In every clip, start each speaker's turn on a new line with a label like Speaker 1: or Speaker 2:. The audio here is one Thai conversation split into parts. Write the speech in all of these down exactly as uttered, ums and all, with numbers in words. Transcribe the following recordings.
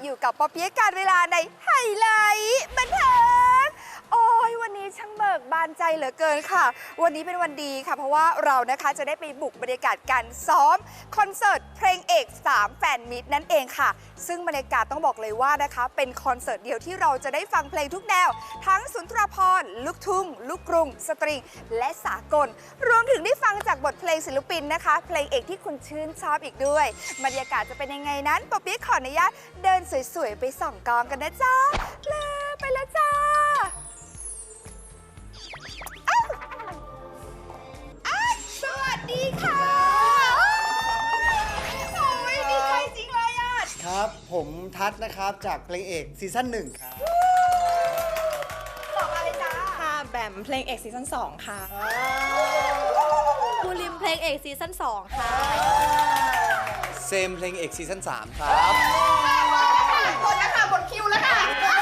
Speaker 1: อยู่กับปอเปี๊ยะการเวลาในไฮไลท์บันเทิงโอ้ยวันนี้ช่างเบิกบานใจเหลือเกินค่ะวันนี้เป็นวันดีค่ะเพราะว่าเรานะคะจะได้ไปบุกบรรยากาศการซ้อมคอนเสิร์ตเพลงเอกสามแฟนมิตรนั่นเองค่ะซึ่งบรรยากาศต้องบอกเลยว่านะคะเป็นคอนเสิร์ตเดียวที่เราจะได้ฟังเพลงทุกแนวทั้งสุนทรภรณ์ลูกทุ่งลูกกรุงสตริงและสากลรวมถึงได้ฟังจากบทเพลงศิลปินนะคะเพลงเอกที่คุณชื่นชอบอีกด้วยบรรยากาศจะเป็นยังไงนั้นปอเปี๊ยะขออนุญาตเดินสวยๆไปส่องกองกันนะจ๊ะเลยไปแล้วจ้าสวัสดีค่ะโอ้ยดีใจจริงเลยอ่ะ
Speaker 2: ครับผมทัศน์นะครับจากเพลงเอกซีซั่นหนึ่งครับ
Speaker 1: ต่อมาเลยจ้า
Speaker 3: ค่ะแบมเพลงเอกซีซั่นสองค่ะ
Speaker 4: ภูริมเพลงเอกซีซั่นสองค่ะ
Speaker 5: เซมเพลงเอกซีซั่นสามครับ
Speaker 1: หมดแล้วค่ะหมดคิวแล้วค่ะ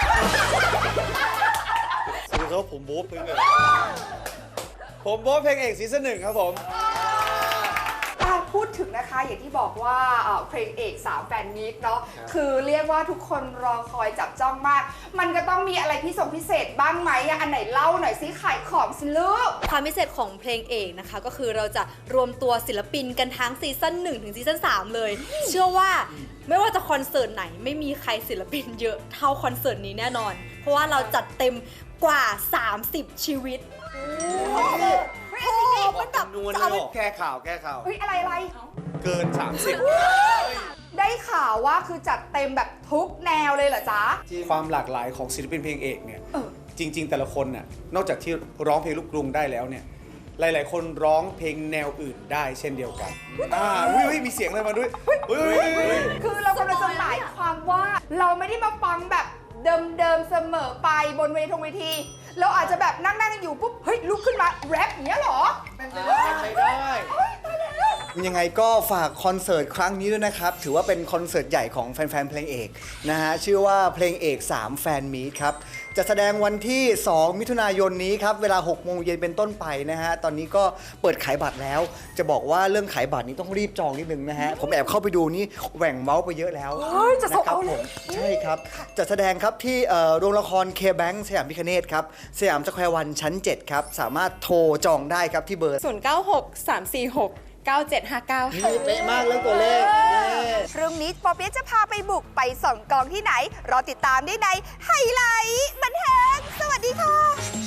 Speaker 5: สวัสดีครับผมโบ๊ทเพลงเอกผมโบ๊ทเพลงเอกซีซั่นหนึ่งครับผม
Speaker 1: พูดถึงนะคะอย่างที่บอกว่าเพลงเอกสามแฟนมิตรเนาะคือเรียกว่าทุกคนรอคอยจับจ้องมากมันก็ต้องมีอะไรพิเศษพิเศษบ้างไหมอันไหนเล่าหน่อยซิขายของสิลูก
Speaker 4: ความพิเศษของเพลงเอกนะคะก็คือเราจะรวมตัวศิลปินกันทั้งซีซั่นหนึ่งถึงซีซั่นสามเลย เชื่อว่าไม่ว่าจะคอนเสิร์ตไหนไม่มีใครศิลปินเยอะเท่าคอนเสิร์ตนี้แน่นอนเพราะว่าเราจัดเต็มกว่าสามสิบชีวิตโอ้โหมันแบบจะเอาไป
Speaker 5: แก้ข่าวแก้ข่าว
Speaker 1: เฮ้ยอะไรอะไร
Speaker 5: เกินสามสิบ
Speaker 1: ได้ข่าวว่าคือจัดเต็มแบบทุกแนวเลยเหรอจ๊ะ
Speaker 5: ความหลากหลายของศิลปินเพลงเอกเนี่ย
Speaker 1: เออ
Speaker 5: จริง ๆ แต่ละคนน่ะนอกจากที่ร้องเพลงลูกกรุงได้แล้วเนี่ยหลายๆคนร้องเพลงแนวอื่นได้เช่นเดียวกันอ่าอุ้ยมีเสียงอะไรมาด้วยอุ้ย
Speaker 1: คือเรากำลังจะหมายความว่าเราไม่ได้มาฟังแบบเดิมๆเสมอไปบนเวทีทงเวทีเราอาจจะแบบนั่งๆอยู่ปุ๊บเฮ้ยลุกขึ้นมาแรปอย่างเงี้ยเหรอ
Speaker 2: เป็นไปได้ใช้ได้ยังไงก็ฝากคอนเสิร์ตครั้งนี้ด้วยนะครับถือว่าเป็นคอนเสิร์ตใหญ่ของแฟนๆเพลงเอกนะฮะชื่อว่าเพลงเอกสามแฟนมีตครับจะแสดงวันที่สองมิถุนายนนี้ครับเวลาหกโมงเย็นเป็นต้นไปนะฮะตอนนี้ก็เปิดขายบัตรแล้วจะบอกว่าเรื่องขายบัตรนี้ต้องรีบจองนิดนึงนะฮะผมแอบเข้าไปดูนี่แหว่งเมาส์ไปเยอะแล้ว
Speaker 1: จะส่งเอาเลย
Speaker 2: ใช่ครับจะแสดงครับที่โรงละครเคแบงค์สยามพิคเนตครับสยามสแควร์วันชั้นเจ็ดครับสามารถโทรจองได้ครับที่เบอร์
Speaker 3: ศูนย์ เก้า หก สาม สี่ หก เก้า เจ็ด ห้า เก้าค่ะ
Speaker 2: นี่เป๊ะมากเรื่องตัวเลข
Speaker 1: พรุ่งนี้ปอเปี๊ยะจะพาไปบุกไปส่องกองที่ไหนรอติดตามได้ในไฮไลท์บันเทิงสวัสดีค่ะ